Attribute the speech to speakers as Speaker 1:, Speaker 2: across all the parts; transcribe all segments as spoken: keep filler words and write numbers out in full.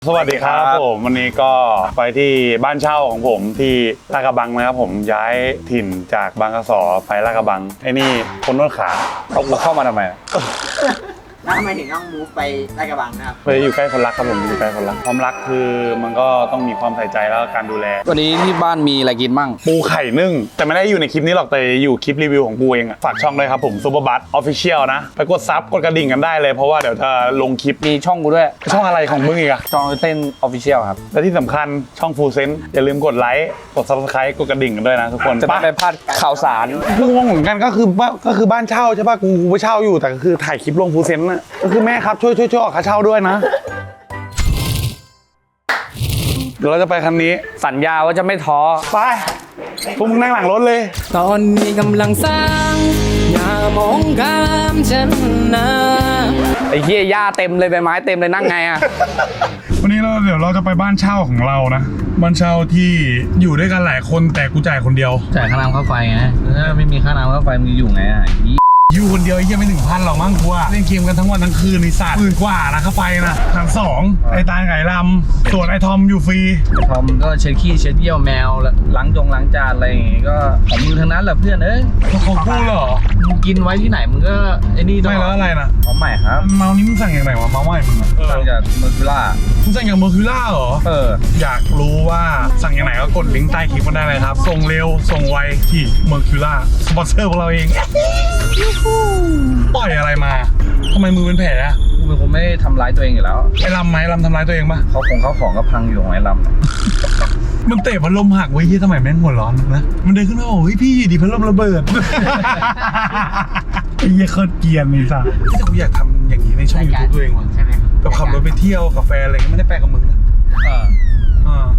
Speaker 1: สวัสดีครับผมวันนี้ก็ไปที่บ้านเช่าของผมที่ลาดกระบังนะครับผมย้ายถิ่นจากบางกะสอไปลาดกระบังไอ้นี่คนนวดขาเอากูเข้ามาทำไม
Speaker 2: แล้วทำไมถึงต้องมูฟไปลาดกระบังนะครับ
Speaker 1: ไปอยู่ใกล้คนรักครับผมอยู่ใกล้คนรักความรักคือมันก็ต้องมีความใส่ใจแล้วก็การดูแล
Speaker 3: วันนี้ที่บ้านมีอะไรกินมั่ง
Speaker 1: ปูไข่นึ่งแต่ไม่ได้อยู่ในคลิปนี้หรอกแต่อยู่คลิปรีวิวของกูเองอะฝากช่องด้วยครับผมซูเปอร์บัสออฟฟิเชียลนะไปกดซับกดกระดิ่งกันได้เลยเพราะว่าเดี๋ยวจะลงคลิป
Speaker 3: มีช่องกูด้วย
Speaker 1: ช่องอะไรของมึงอีกอะ
Speaker 3: ช่องเต้นออฟฟิเชียลครับ
Speaker 1: และที่สำคัญช่องฟูเซนอย่าลืมกดไลค์กดซับสไครต์กดกระดิ่งกันด้วยนะทุกคน
Speaker 3: จะไม่ไปพลาดข่าวสาร
Speaker 1: กูงงเหมือนกันก็คือว่าก็คือบ้านเช่าใช่ป่ะกูกูไปเช่าอยู่แต่ก็คือถ่ายคลิปลงฟูเซนน่ะก็คือแม่ครับช่วยช่วยช่วยออกค่าเช่าด้วยนะเดี๋ยวเราจะไปคันนี้
Speaker 3: สัญญาว่าจะไม่ท้อ
Speaker 1: ไปพวกมึงนั่งหลังรถเลย
Speaker 4: ตอนนี้กำลังสร้างอย่ามองข้ามฉันนะ
Speaker 3: ไอ้เหี้ยหญ้าเต็มเลยใบไม้เต็มเลยนั่งไงอะ
Speaker 1: วันนี้เราเดี๋ยวเราจะไปบ้านเช่าของเรานะบ้านเช่าที่อยู่ด้วยกันหลายคนแต่กูจ่ายคนเดียว
Speaker 5: จ่ายค่าน้ำค่าไฟไงถ้าไม่มีค่าน้ำค่าไฟมึงอยู่ไงอ่ะ
Speaker 1: อยู่คนเดียวไอ้เหี้ยังไม่ถึงพันหรอกมั้งกูอะเล่นเกมกันทั้งวันทั้งคืนในศาสตร์หมื่นกว่านะค่าไฟนะพันสองไอ้ตาลไก่ลำส่วนไอ้ทอมอยู่ฟรี
Speaker 5: ทอมก็เช็ดขี้เช็ดเยี่ยวแมวล้างจงล้างจานอะไรอย่างงี้ก็ของมึงทั้งนั้นแหละเพื่อนเอ้ย
Speaker 1: ของกูเหรอ
Speaker 5: มึงกินไว้ที่ไหนมึงก็ไอ้นี่ตล
Speaker 1: ไม่
Speaker 5: อ
Speaker 1: แล้ว
Speaker 5: ด
Speaker 1: อะไรนะ
Speaker 5: ของใหม่ครับ
Speaker 1: เมานี้มึงสั่งอย่างไรวะเมาใหม่มึงอะ
Speaker 5: สั่งจากเมอร์คิล่า
Speaker 1: มึงสั่งอย่างเมอร์คิวล่าเหรอ
Speaker 5: เออ
Speaker 1: อยากรู้ว่าสั่งอย่างไหนก็กดลิงก์ใต้คลิปมาได้เลยครับ ส่งเร็ว ส่งไวที่เมอร์คิวล่าสปอนเซอร์ของเราเอง ปล่อยอะไรมาทำไมมือเป็นแผลอะ
Speaker 5: กูเป็นคนไม่ทำร้ายตัวเองอยู่แล้ว
Speaker 1: ไอ้ลำไหมลำทำร้ายตัวเองปะ เขา
Speaker 5: ของเขาของก็พังอยู่ของไอ้ลำ
Speaker 1: มันเตะพัดลมหักไว้ที่สมัยแม่งหัวร้อนนะ มันเดินขึ้นมาบอกเฮ้ยพี่ดิพัดลมระเบิด ไอ้เหี้ยโคตรเกรียนเลยสัสแต่กูอยากทำอย่างนี้ในช่องยูทูบตัวเองว่ะ
Speaker 2: ใช่ไหม
Speaker 1: แบบขับรถไปเที่ยวกาแฟอะไรไม่ได้แปลกับมึงนะ
Speaker 5: เออ
Speaker 1: อ่า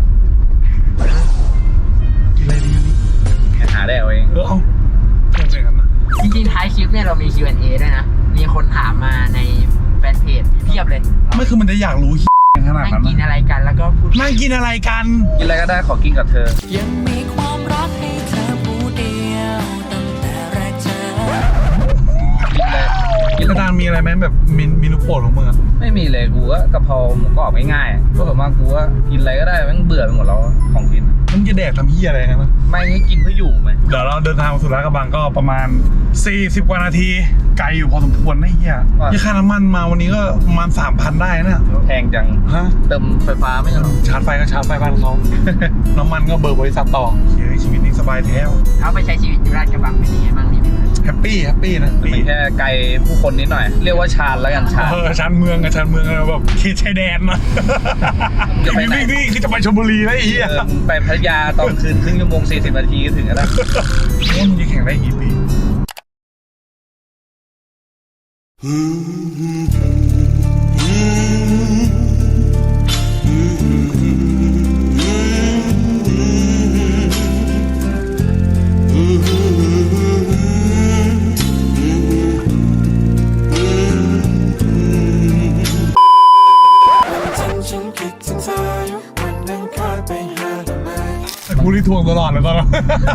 Speaker 1: กินอะไรดีนี่
Speaker 5: หาได้เอาเอง
Speaker 1: เออเอาทำอย่างนั้นนะ
Speaker 2: จริงๆท้ายคลิปเนี่ยเรามี คิว แอนด์ เอ ด้วยนะ มีคนถามมาในแฟนเพจเพียบเลย
Speaker 1: ไม่คือมันจะอยากรู้ขนาด
Speaker 2: นั่ง
Speaker 1: นั้น
Speaker 2: กิน
Speaker 1: นะ
Speaker 2: อะไรกันแล้วก็พูด
Speaker 1: นั่งกินอะไรกัน
Speaker 5: กินอะไรก็ได้ขอกินกับเธอ
Speaker 4: ยังมีความรักให้เธอผู้เดียวตั้งแต่แรกเจอ
Speaker 5: กินเลยกิน
Speaker 1: กระดานมีอะไรไหมแบบเมนูโปรดของมึงอะ
Speaker 5: ไม่มีเลยกูก็กะเพราหมูกรอบง่ายๆก็แบบว่ากูก็กินอะไรก็ได้แม่งเบื่อไปหมดแล้วของกิน
Speaker 1: มึงจะแดกทำเหี้ยอะไรกันนะ
Speaker 5: ไม่ให้กินเพื่ออยู่ไหม
Speaker 1: เดี๋ยวเราเดินทางมาสู่ลาดกระบังก็ประมาณสี่สิบกว่านาทีไกลอยู่พอสมควรนะเหี้ยที่ค่าน้ำมันมาวันนี้ก็ประมาณ สามพัน ได้นะ
Speaker 5: แพงจัง
Speaker 1: ฮะ
Speaker 5: เติมไฟฟ้าไม่ใช่หรอ
Speaker 1: ชาร์จไฟก็ชาร์จไฟบ้านเขา น้ำมันก็เบิกบริษัทต่อเฮ้ยชีวิตนี้สบายแท้
Speaker 2: เขาไปใช้ชีวิตอยู่ลาดกระบังเป็นยังไงบ้างนี่พี่
Speaker 1: แฮปปี้แฮปปี้นะ
Speaker 5: มันแค่ไกลผู้คนนิดหน่อย เรียกว่าชาญแล้วกันชาญ
Speaker 1: เออชานเมืองกับชานเมืองอะไรแบบเขตชายแดนนะ
Speaker 5: จะไปไหน
Speaker 1: นี่นี่คือจะไปชลบุรีแล้วไอ้เหี้ย
Speaker 5: เออมึงไปพัทยาตอนคืนครึ่งชั่วโมงสี่สิบนาทีก็ถึงแล้ว
Speaker 1: นี่มึงจะแข่งได้กี่ปีกูรีทวงตลอดเลยตอนนั้น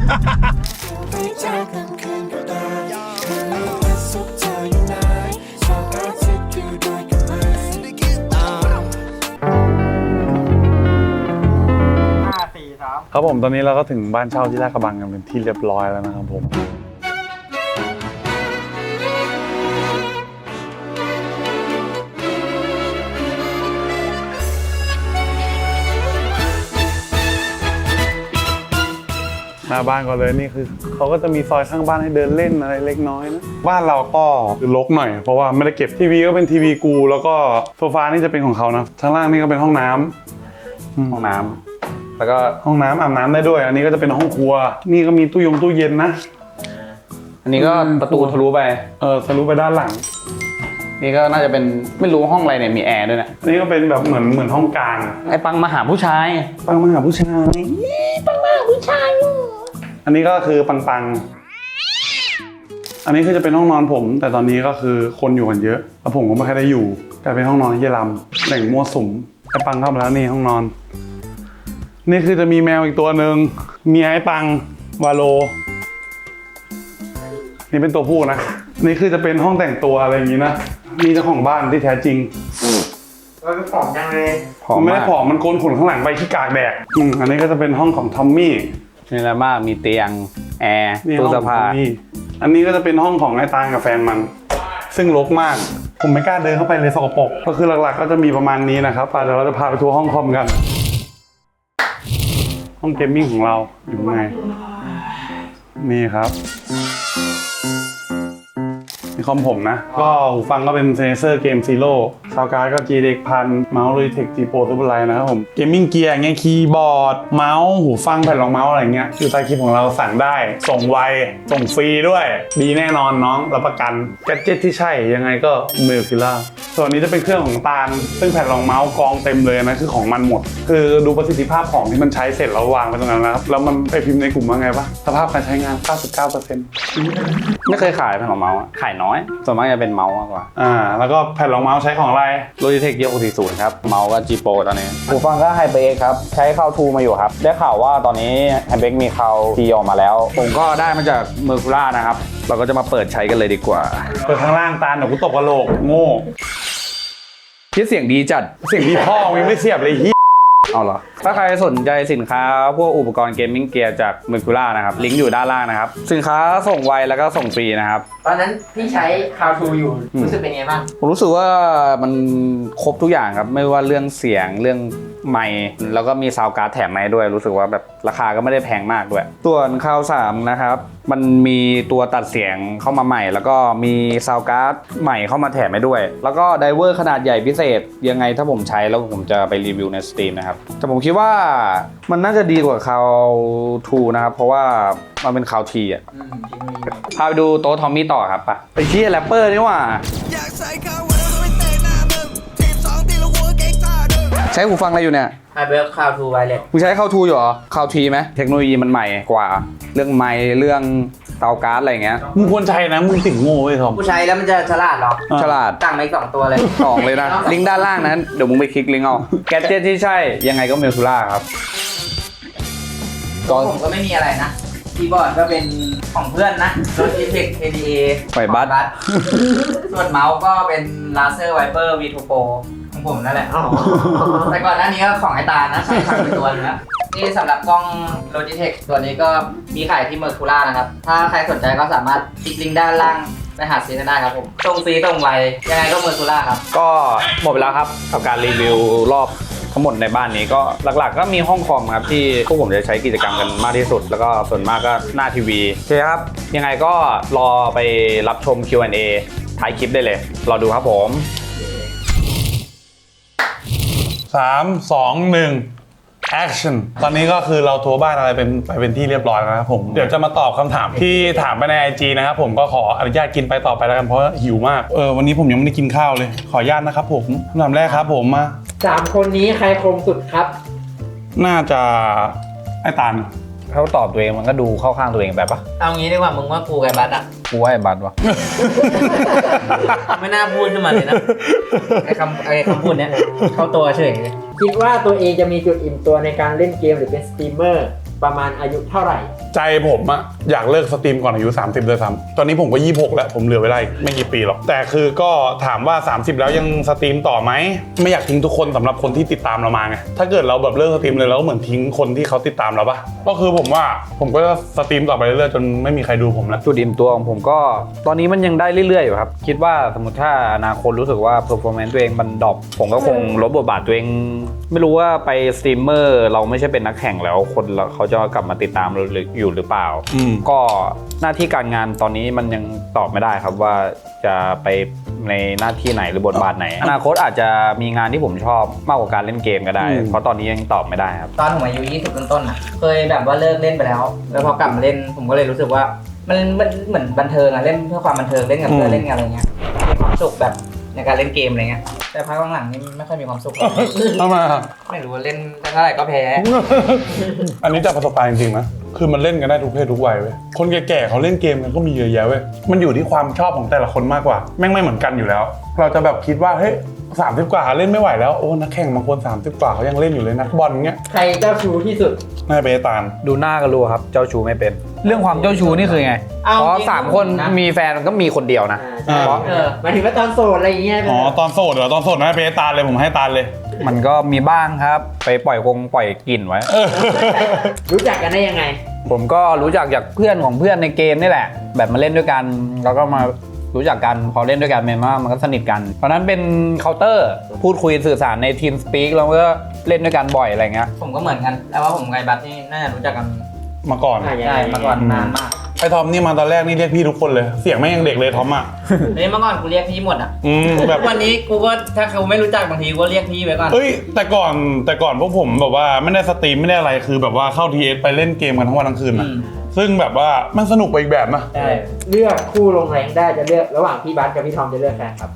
Speaker 2: ห้าสี่สาม
Speaker 1: ครับผมตอนนี้เราก็ถึงบ้านเช่าที่ลาดกระบังกันเป็นที่เรียบร้อยแล้วนะครับผมหน้าบ้านก่อนเลยนี่คือเขาก็จะมีซอยข้างบ้านให้เดินเล่นอะไรเล็กน้อยนะบ้านเราก็รกหน่อยเพราะว่าไม่ได้เก็บทีวีก็เป็นทีวีกูแล้วก็โซฟานี่จะเป็นของเขานะข้างล่างนี่ก็เป็นห้องน้ำห้องน้ำแล้วก็ห้องน้ำอาบน้ำได้ด้วยอันนี้ก็จะเป็นห้องครัวนี่ก็มีตู้ยงตู้เย็นนะ
Speaker 3: อันนี้ก็ประตูทะลุไป
Speaker 1: เออทะลุไปด้านหลัง
Speaker 3: นี่ก็น่าจะเป็นไม่รู้ห้องอะไรเนี่ยมีแอร์ด้วยนะ
Speaker 1: อันนี้ก็เป็นแบบเหมือนเหมือนห้องกลาง
Speaker 3: ไอ้ปังมาหาผู้ชาย
Speaker 1: ปังมาหาผู้ชายปังมาหาผู้ชายอันนี้ก็คือปังปังอันนี้คือจะเป็นห้องนอนผม แต่ตอนนี้ก็คือคนอยู่กันเยอะแล้วผมก็ไม่ค่อยได้อยู่แต่เป็นห้องนอนที่ลำแหล่งมั่วสุมไอ้ปังเข้ามาแล้วนี่ห้องนอนนี่คือจะมีแมวอีกตัวหนึ่งมีไอ้ปังวาโลนี่เป็นตัวผู้นะนี่คือจะเป็นห้องแต่งตัวอะไรอย่างนี้นะนี่เจ้าของบ้านที่แท้จริง
Speaker 2: มันผอมจังเลย
Speaker 3: ผอม
Speaker 1: มันไม่ได้
Speaker 3: มาก
Speaker 1: ผอมมันโกนขนข้างหลังไปที่กากแดดอืมอันนี้ก็จะเป็นห้องของทอมมี่
Speaker 3: นี่แหละมากมีเตียงแอร์
Speaker 1: นี่
Speaker 3: ตู้
Speaker 1: ห้อง
Speaker 3: เสื้อ
Speaker 1: ของ
Speaker 3: ผ้า
Speaker 1: ทอมมี่อันนี้ก็จะเป็นห้องของไอ้ตาลกับแฟนมัน ซึ่งรกมาก ผมไม่กล้าเดินเข้าไปเลยสกปรกก็คือหลักๆก็จะมีประมาณนี้นะครับอ่ะเดี๋ยวเราจะพาไปทัวร์ห้องคอมกัน ห้องเกมมิ่งของเราอยู่ข้างในนี่ครับนี่คอมผมนะ ก็หูฟังก็เป็นเซนเซอร์เกมซีโร่ซาวการ์ดก็ จี ดี เอ็กซ์ พันเมาส์ Logitech G Pro Super Light นะครับผมเกมมิ่งเกียร์อย่างเงี้ยคีย์บอร์ดเมาส์หูฟังแผ่นรองเมาส์อะไรเงี้ยอยู่ใต้คลิปของเราสั่งได้ส่งไวส่งฟรีด้วย ดีแน่นอนน้องรับประกันแกดเจ็ตที่ใช่ยังไงก็เมลคิล่าส่วนนี้จะเป็นเครื่องของตาลซึ่งแผ่นรองเมาส์กองเต็มเลยนะคือของมันหมด คือดูประสิทธิภาพของที่มันใช้เสร็จแล้ววางไปตรงนั้นนะครับแล้วมันไปพิมพ์ในกลุ่มว่าไงปะสภาพการใช้งาน เก้าสิบเก้าเปอร์เซ็นต์
Speaker 3: ไม่เคยขายแผ่นรองเมาส์อะขายน้อยส่วนมากจะเป็นเมาส์มากกว่า
Speaker 1: อ่าแล้วก็แผ่นรองเมาส์ใช้ของอะไร
Speaker 3: Logitech G หกสี่ศูนย์ครับเมาส์ก็ G Pro ตอนนี้หูฟังก็ HyperX ครับใช้เข้าทูมาอยู่ครับได้ข่าวว่าตอนนี้ HyperX มีเข้าทีออกมาแล้ว ผมก็ได้มาจาก Mercura นะครับเราก็จะมาเปิดใช้กันเลยดีกว่า
Speaker 1: เปิดข้างล่างตาลเดี๋ยวกูตบกระโหลกโง่
Speaker 3: ที่เสียงดีจัด
Speaker 1: เสียงที่พ่อมึงไม่เสียบเลยเฮีย
Speaker 3: เอาเหรอ ถ้าใครสนใจสินค้าพวกอุปกรณ์เกมมิ่งเกียร์จาก Mercura นะครับ ลิงก์อยู่ด้านล่างนะครับ สินค้าส่งไวแล้วก็ส่งฟรีนะครับ
Speaker 2: ตอนนั้นพี่ใช้ How to อยู่รู้สึกเป็นไงบ้าง
Speaker 3: ผมรู้สึกว่ามันครบทุกอย่างครับ ไม่ว่าเรื่องเสียงเรื่องไมค์แล้วก็มีซาวด์การ์ดแถมมาให้ด้วย รู้สึกว่าแบบราคาก็ไม่ได้แพงมากด้วย ส่วนคาวสามนะครับ มันมีตัวตัดเสียงเข้ามาใหม่ แล้วก็มีซาวด์การ์ดใหม่เข้ามาแถมให้ด้วย แล้วก็ไดเวอร์ขนาดใหญ่พิเศษยังไงถ้าผมใช้แล้วผมจะไปรีวิวในสตรีมนะครับแต่ผมคิดว่ามันน่าจะดีกว่าคาวทูนะครับเพราะว่ามันเป็นคาวทีอ่ะ
Speaker 2: อืมเทคโนโลยีใหม่
Speaker 3: พาไปดูโต๊ะทอมมี่ต่อครับปะไปเชี่ยแรปเปอร์นี่หว่า
Speaker 6: อยากใส่ข้าววันแล้วก็ไม่เตะหน้ามึงทีมสองตีแล้วหัวเก่งท่าเดิม
Speaker 3: ใช้หูฟังอะไรอยู่เนี่ย
Speaker 2: ไฮเบอร์ How to Wireless
Speaker 3: มึงใช้เข้าทูอยู่เหรอเข้าทีไหมเทคโนโลยีมันใหม่กว่า เรื่องไมค์เรื่องเตาการ์ดอะไรอย่างเงี้ย
Speaker 1: มึงควรใช้นะมึงติ่งโง่เว้ยทอม
Speaker 2: ผู้ใช้แล้วมันจะฉลาดเหรอ
Speaker 3: ฉลาด
Speaker 2: ตั้งมาอีกสองตัวเลย
Speaker 3: สองเลยนะ ลิงก์ด้านล่างนั้นเดี๋ยวมึงไปคลิกลิงก์เอาแกดเจ็ตที่ใช่ยังไงก็เมลซูล่าครับ
Speaker 2: ก็ผมก็ไม่มีอะไรนะคีย์บอร์ดก็เป็นของเพื่อนนะ Logitech เอ ดี เอ
Speaker 3: ไฟบัส
Speaker 2: ส่วนเมาส์ก็เป็น Razer Viper วี ทู Pro ของผมนั่นแหละ แต่ก่อนหน้านี้ก็ของไอตาลนะใช้ทำเป็นตัวนึงนะนี่สำหรับกล้อง Logitech ตัวนี้ก็มีขายที่ Mercura นะครับ ถ้าใครสนใจก็สามารถคลิกลิงก์ด้านล่างไปหาซื้อกันได้ครับผมส่งฟรีส่งไวยังไงก็ Mercura ครับ
Speaker 3: ก็หมดไปแล้วครับกับการรีวิวรอบทั้งหมดในบ้านนี้ก็หลักๆ ก็มีห้องคอมครับที่พวกผมจะใช้กิจกรรมกันมากที่สุด แล้วก็ส่วนมากก็หน้าทีวีโอเคครับยังไงก็รอไปรับชม คิว แอนด์ เอ ท้ายคลิปได้เลยรอดูครับผม
Speaker 1: สามสองหนึ่ง action ตอนนี้ก็คือเราทัวร์บ้านอะไรเป็นไปเป็นที่เรียบร้อยแล้วนะครับผมเดี๋ยวจะมาตอบคำถามที่ถามไปใน ไอ จี นะครับผมก็ขออนุญาตกินไปต่อไปแล้วกันเพราะหิวมากเออวันนี้ผมยังไม่ได้กินข้าวเลยขออนุญาตนะครับผมคำถามแรกครับผมมา
Speaker 2: สามคนนี้ใครคมสุดครับ
Speaker 1: น่าจะไอ้ตาล
Speaker 3: เขาตอบตัวเองมันก็ดูเข้าข้างตัวเองแบบปะ
Speaker 2: เอางี้ดีกว่ามึงว่ากูกับบัสอะ
Speaker 3: กูว่าไอ้บัตรวะ
Speaker 2: ไม่น่าพูดขึ้นมาเลยนะ ไอ้คำไอ้คำพูดเนี้ยเข้าตัวเฉยเลยคิดว่าตัวเองจะมีจุดอิ่มตัวในการเล่นเกมหรือเป็นสตรีมเมอร์ประมาณอายุเท่าไหร่
Speaker 1: ใจผมอะอยากเลิกสตรีมก่อนอายุสามสิบเลยซ้ำตอนนี้ผมก็ยี่สิบหกแล้วผมเหลือเวลาอีกไม่กี่ปีหรอกแต่คือก็ถามว่าสามสิบแล้วยังสตรีมต่อไหมไม่อยากทิ้งทุกคนสำหรับคนที่ติดตามเรามาไงถ้าเกิดเราแบบเลิกสตรีมเลยเราก็เหมือนทิ้งคนที่เขาติดตามเราปะก็คือผมว่าผมก็จะสตรีมต่อไปเรื่อยๆจนไม่มีใครดูผมแล้ว
Speaker 3: จุดอิ่มตัวของผมก็ตอนนี้มันยังได้เรื่อยๆอยู่ครับคิดว่าสมมติถ้าอนาคตรู้สึกว่า performance ตัวเองมันดรอปผมก็คงลบบทบาทตัวเองไม่รู้ว่าไปสตรีมเมอร์เราไม่ใช่เป็นนักแข่งแล้วคนเขาจะกลับมาติดตามเราอยู่หรือเปล่า
Speaker 1: อืม
Speaker 3: ก็หน้าที่การงานตอนนี้มันยังตอบไม่ได้ครับว่าจะไปในหน้าที่ไหนหรือบทบาทไหน อนาคตอาจจะมีงานที่ผมชอบมากกว่าการเล่นเกมก็ได้ เพราะตอนนี้ยังตอบไม่ได้ครับ
Speaker 2: ตอนผมอายุยี่สิบต้นๆอ่ะเคยแบบว่าเลิกเล่นไปแล้ว แล้วพอกลับมาเล่นผมก็เลยรู้สึกว่ามันมันเหมือนบันเทิงอะเล่นเพื่อความบันเทิงเล่นกับเพื่อนเล่นกับอะไรเงี้ยมีความสุขแบบในการเล่นเกมอะไรเงี้ยแต่พักหลังๆนี่ไม่ค่อยมีความสุข
Speaker 1: ทำไมอะ
Speaker 2: ไม่รู้ว่าเล่นเท่าไหร่ก็แพ้
Speaker 1: อันนี้จากประสบการณ์จริงๆนะคือมันเล่นกันได้ทุกเพศทุกวัยเว้ยคนแก่ๆเขาเล่นเกมกันก็มีเยอะแยะเว้ยมันอยู่ที่ความชอบของแต่ละคนมากกว่าแม่งไม่เหมือนกันอยู่แล้ว เราจะแบบคิดว่าเฮ้ยสามสิบกว่าเล่นไม่ไหวแล้วโอ้นักแข่งบางคนสามสิบกว่าเขายังเล่นอยู่เลยนักบอลเงี้ย
Speaker 2: ใครเจ้าชู้ที่สุด
Speaker 1: น่าจะเป็นไอ้ตาล
Speaker 3: ดูหน้าก็รู้ครับเจ้าชู้ไม่เป็น เรื่องความเจ้าชู้นี่คือไง
Speaker 2: เอา
Speaker 3: เพราะ
Speaker 2: จริง
Speaker 3: สามคน
Speaker 2: นะ
Speaker 3: มีแฟนมันก็มีคนเดียวนะ
Speaker 2: อ่า
Speaker 1: เพราะ
Speaker 2: เออหมายถึงว่าตอนโสดอะไรอย่างเงี้ย
Speaker 1: อ๋อตอนโสดเหรอตอนโสดน่าจะเป็นไอ้ตาลเลยผมให้ตาลเลย
Speaker 3: มันก็มีบ้างครับ ไปปล่อยกงปล่อยกลิ่นไว้
Speaker 2: รู้จักกันได้ยังไง
Speaker 3: ผมก็รู้จักจากเพื่อนของเพื่อนในเกมนี่แหละ แบบมาเล่นด้วยกันแล้วก็มารู้จักกันพอเล่นด้วยกันมันว่ามันก็สนิทกันเพราะนั้นเป็นเคาน์เตอร์พูดคุยสื่อสารในทีมสปีกแล้วก็เล่นด้วยกันบ่อยอะไรเงี้ย
Speaker 2: ผมก็เหมือนกัน แต่ว่าผมกับไอ้บัสนี่น่าจะรู้จักกัน
Speaker 1: มาก่อน
Speaker 2: ใช่มาก่อนนานมาก
Speaker 1: ไอ้ทอมนี่มาตอนแรกนี่เรียกพี่ทุกคนเลยเสียงแม่งยังเด็กเลยทอมอ่ะ
Speaker 2: เฮ้ยเมื่อก่อนกูเรียกพี่หมดอ่ะ
Speaker 1: อืมแบบ
Speaker 2: วันนี้กูก็ถ้าเขาไม่รู้จักบางทีกูก็เรียกพี่ไว้ก่อน
Speaker 1: เอ้ยแต่ก่อนแต่ก่อนพวกผมแบบว่าไม่ได้สตรีมไม่ได้อะไรคือแบบว่าเข้า ที เอส ไปเล่นเกมกันทั้งวันทั้งคืนนะ
Speaker 2: อืม
Speaker 1: ซึ่งแบบว่ามันสนุกไปอีกแบบนะ
Speaker 2: ใช่เลือกคู่ลงแรงได้จะเลือกระหว่างพี่บัสกับพี่ทอมจะเลือกใครครับ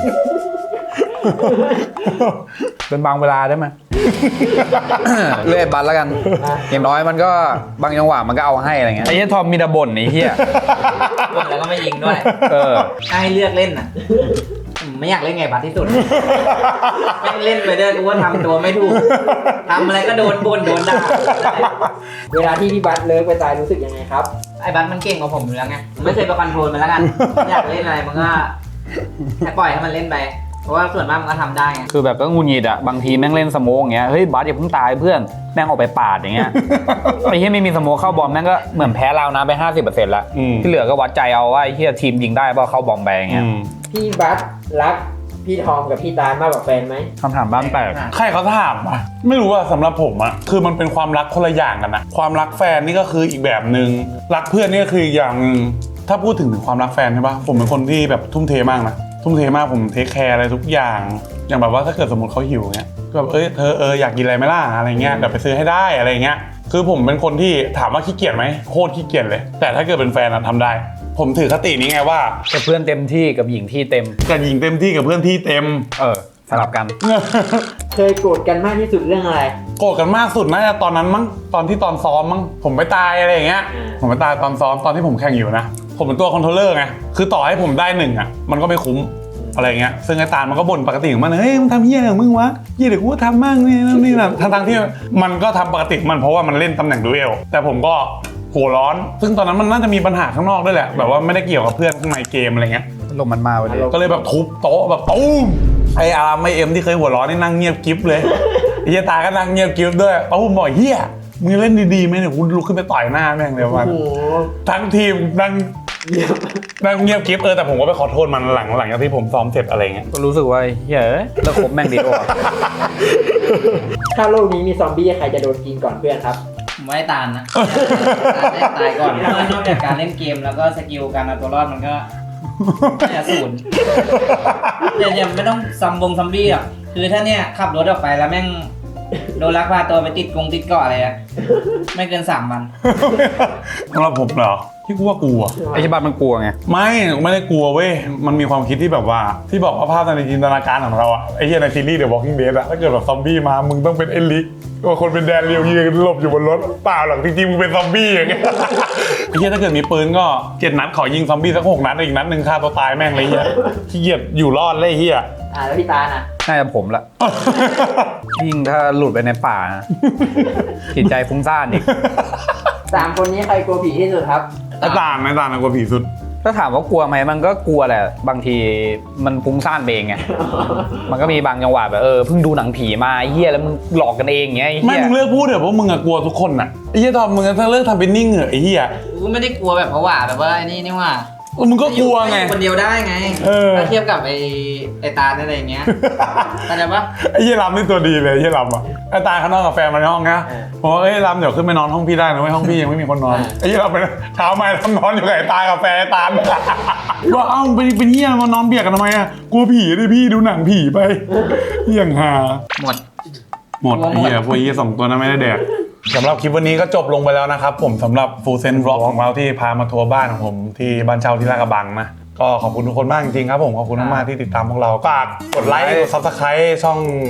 Speaker 3: เป็นบางเวลาได้ไหม เลื่อยบัตรแล้วกัน อย่างน้อยมันก็บางจังหวะมันก็เอาให้อะไรเงี้ยไอ้เหี้ยทอมมีแต่บ่นไอ้เหี้ย
Speaker 2: บ่นแล้วก็ไม่ยิงด้วย
Speaker 3: เออ
Speaker 2: ถ้าให้เลือกเล่นน่ะผมไม่อยากเล่นไงบัสที่สุดแม่งเล่นไปเด้อกูว่าทำตัวไม่ถูกทำอะไรก็โดนบ่นโดนด่า
Speaker 7: เวลาที่พี่บัสเลิกไปตายรู้สึกยังไงครับ
Speaker 2: ไอ้บัสมันเก่งกว่าผมอยู่แล้วไงผมไม่เคยไปคอนโทรลมันแล้วกันอยากเล่นอะไรมันก็ให้ปล่อยให้มันเล่นไปเพราะว่าส่วนมากมันก็ทำได้ไง
Speaker 3: คือแบบก็งุนงิดอะบางทีแม่งเล่นสโมกอย่างเงี้ยเฮ้ยบัสอย่าเพิ่งตายเพื่อนแม่งออกไปปาดอย่างเงี้ย ไอ้เหี้ยไม่มีสโมกเข้าบอมแม่งก็เหมือนแพ้เรานะไป ห้าสิบเปอร์เซ็นต์ ละ
Speaker 1: อืม
Speaker 3: ที่เหลือก็วัดใจเอาว่าไอ้เหี้ยทีมยิงได้เปล่าเข้าบอมไปอย่างเงี้ย
Speaker 1: อืม
Speaker 7: พี่บัสรักพี่ทอมกับพี่ตาลมากกว่าแฟนไหม
Speaker 3: คำถามบ้านแตก
Speaker 1: ใครเขาถามอ่ะไม่รู้ว่าสำหรับผมอ่ะคือมันเป็นความรักคนละอย่างกันนะความรักแฟนนี่ก็คืออีกแบบหนึ่งรักเพื่อนนี่ก็คืออีกอย่างหนึ่งถ้าพูดถึงความรักแฟนใช่ปะผมเป็นคนที่แบบทุ่มเทมากนะทุ่มเทมากผมเทคแคร์อะไรทุกอย่าง อย่างแบบว่าถ้าเกิดสมมติเขาหิวเงี้ยก็แบบเอ้ยเธอเอออยากกินอะไรไหมล่ะอะไรเงี้ยเดี๋ยวไปซื้อให้ได้อะไรเงี้ยคือผมเป็นคนที่ถามว่าขี้เกียจไหมโคตรขี้เกียจเลย แต่ถ้าเกิดเป็นแฟนอะทำได้ ผมถือคตินี้ไงว่า
Speaker 3: กับเพื่อนเต็มที่กับหญิงที่เต็ม
Speaker 1: กับหญิงเต็มที่กับเพื่อนที่เต็ม
Speaker 3: เออสลับกัน
Speaker 7: เคยโกรธกันมากที่สุดเรื่องอะไร
Speaker 1: โกรธกันมากสุดน่าจะตอนนั้นมั้งตอนที่ตอนซ้อมมั้งผมไปตายอะไรอย่างเงี้ย
Speaker 7: อืม
Speaker 1: ผมไปตายตอนซ้อมตอนที่ผมแข่งอยู่นะผมเป็นตัวคอนโทรลเลอร์ไงคือต่อให้ผมได้หนึ่งอ่ะมันก็ไม่คุ้มอะไรเงี้ยซึ่งไอ้ตาลมันก็บ่นปกติของมันเฮ้ยมึงทำเหี้ยอะไรของมึงวะเหี้ยเดี๋ยวกูก็ทำมั่งนี่นั่นนี่นะทั้งทั้งๆที่มันก็ทำปกติมันเพราะว่ามันเล่นตำแหน่งดูเอลแต่ผมก็หัวร้อน ซึ่งตอนนั้นมันน่าจะมีปัญหาข้างนอกด้วยแหละแบบว่าไม่ได้เกี่ยวกับเพื่อนข้างในเกมอะไรเงี้ย
Speaker 3: ลมมันมาวันนี้
Speaker 1: ก็เลยแบบทุบโต๊ะแบบตุ้มไอ้อาร์มไอเอ็มที่เคยหัวร้อนนี่นั่งเงียบกิ๊บเลยไอ้เหี้ยตาก็นั่งเงียบกิ๊บด้วยป้าผมบอกเฮียมึงเล่นดีๆไหมเนี่ยคุณลุกขึ้นไปต่อยหน้าแม่งเลยวัน
Speaker 7: โอ้โห
Speaker 1: ทั้งทีมนั่งนั่งเงียบกิ๊บเออแต่ผมก็ไปขอโทษมันหลังหลังจากที่ผมซ้อมเสร็จอะไรเงี้ย
Speaker 3: ก็รู้สึกว่าเฮ้ยแล้วคบแม่งดีกว่า
Speaker 7: ถ้าโลกนี้มีซอมบี้ใครจะโดนกินก่อนเพื่อนครับ
Speaker 2: ผมว่าไอ้ตาลนะตาลได้ตายก่อนเพราะว่านอกจากการเล่นเกมแล้วก็สกิลการเอาตัวรอดมันก็น่าจะศูนย์เดี๋ยวๆไม่ต้องซัมบงซัมบี้หรอกคือถ้าเนี่ยขับรถออกไปแล้วแม่งโดนลักพาตัวไปติดกรงติดเกาะอะไรอะไม่เกินสามวัน
Speaker 1: สำหรับผมเหรอที่กูว่ากลัว
Speaker 3: ไอ้ฉบับมันกลัวไง
Speaker 1: ไม่ไม่ได้กลัวเว้ยมันมีความคิดที่แบบว่าที่บอกว่าภาพในจินตนาการของเราอะไอ้เหี้ยในซีรีส์ The Walking Dead อะถ้าเกิดแบบซอมบี้มามึงต้องเป็นเอลิกว่าคนเป็นแดนเรียวยืนหลบอยู่บนรถเปล่าหรอกจริงๆมึงเป็นซอมบี้อย่างเงี้ย ไอ้เหี้ยถ้าเกิดมีปืนก็เจ็ดนัดขอยิงซอมบี้สักหกนัดอีกนัดหนึ่งฆ่าตัวตายแม่งเลยเหี้ยขี้เกียจอยู่รอดเลยเหี้ย
Speaker 7: อ่าแล้วพี่ตาลน่ะ
Speaker 3: น่าจะผมละ ยิ่งถ้าหลุดไปในป่านะจิตใจฟุ้งซ่านอีก
Speaker 7: สามคนนี้ใครกลัวผีที่สุดครับ
Speaker 1: ไอ้ตาลไอ้ตาลน่ะกลัวผีสุด
Speaker 3: ถ้าถามว่ากลัวไหมมันก็กลัวแหละบางทีมันฟุ้งซ่านไปเองไง มันก็มีบางจังหวะแบบเออเพิ่งดูหนังผีมาไอ้เฮียแล้วมึงหลอกกันเองอย่างเงี้ยไอ้
Speaker 1: ไม่
Speaker 3: เฮีย
Speaker 1: มึงเลิกพูดเถอะเพราะมึงอะกลัวทุกคนอะไอ้เหี้ยตอนมึงถ้าเลิกทำเป็นนิ่งเหอะไอ้เหี้ย
Speaker 2: กูไม่ได้กลัวแบบเพราะว่าแบบว่าไอ้นี่นี่ว่า
Speaker 1: เออมึงก็กลัวไง
Speaker 2: อยู่คนเดียวได้ไง
Speaker 1: เออ
Speaker 2: ถ้าเทียบกับไอ้ไอ้ตาลอะไรอย่างเงี้ยเข้าใจปะ
Speaker 1: ไอ้เหี้ยลำนี่ตัวดีเลยไอ้เหี้ยลำอะไอ้ตาข้างนอกกับแฟนมาในห้องนะ
Speaker 7: เออ
Speaker 1: ผมว่าเอ้ยลำเดี๋ยวขึ้นไปนอนห้องพี่ได้นะเว้ยห้องพี่ยังไม่มีคนนอนไอ้เหี้ยลำไปเช้ามาลำนอนอยู่กับไอ้ตากับแฟนไอ้ตาลว่าเอ้าเป็นเป็นเหี้ยมานอนเบียดกันทำไมอะกลัวผีดิพี่ดูหนังผีไปเหี้ยงหา
Speaker 2: หมด
Speaker 1: หมด
Speaker 2: กลัวหมด
Speaker 1: ไอ้เหี้ยพวกไอ้เหี้ยสองตัวนั้นไม่ได้แดกสำหรับคลิปวันนี้ก็จบลงไปแล้วนะครับผมสำหรับฟูลเซนบล็อกของเราที่พามาทัวร์บ้านของผมที่บ้านเช่าที่ลาดกระบังนะก็ขอบคุณทุกคนมากจริงๆครับผมขอบคุณมากๆที่ติดตามพวกเราฝากกดไลค์กดซับสไครต์ช่อง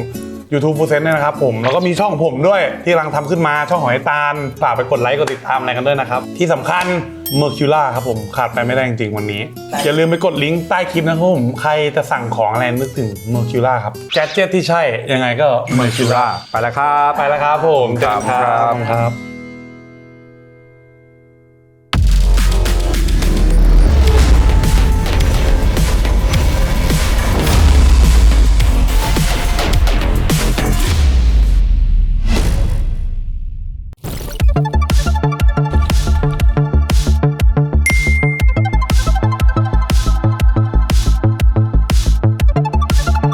Speaker 1: YouTube Full Set เนี่ยนะครับผมแล้วก็มีช่องผมด้วยที่กำลังทำขึ้นมาช่องหอยตาลฝากไปกดไลค์กดติดตามอะไรกันด้วยนะครับที่สำคัญ Mercula ครับผมขาดไปไม่ได้จริงๆวันนี้อย่าลืมไปกดลิงก์ใต้คลิปนะครับผมใครจะสั่งของอะไรนึกถึง Mercula ครับแกดเจ็ตที่ใช่ยังไงก็ Mercula
Speaker 3: ไปแล้วครับ
Speaker 1: ไปแล้วครับผม
Speaker 3: ครับ
Speaker 1: ครับ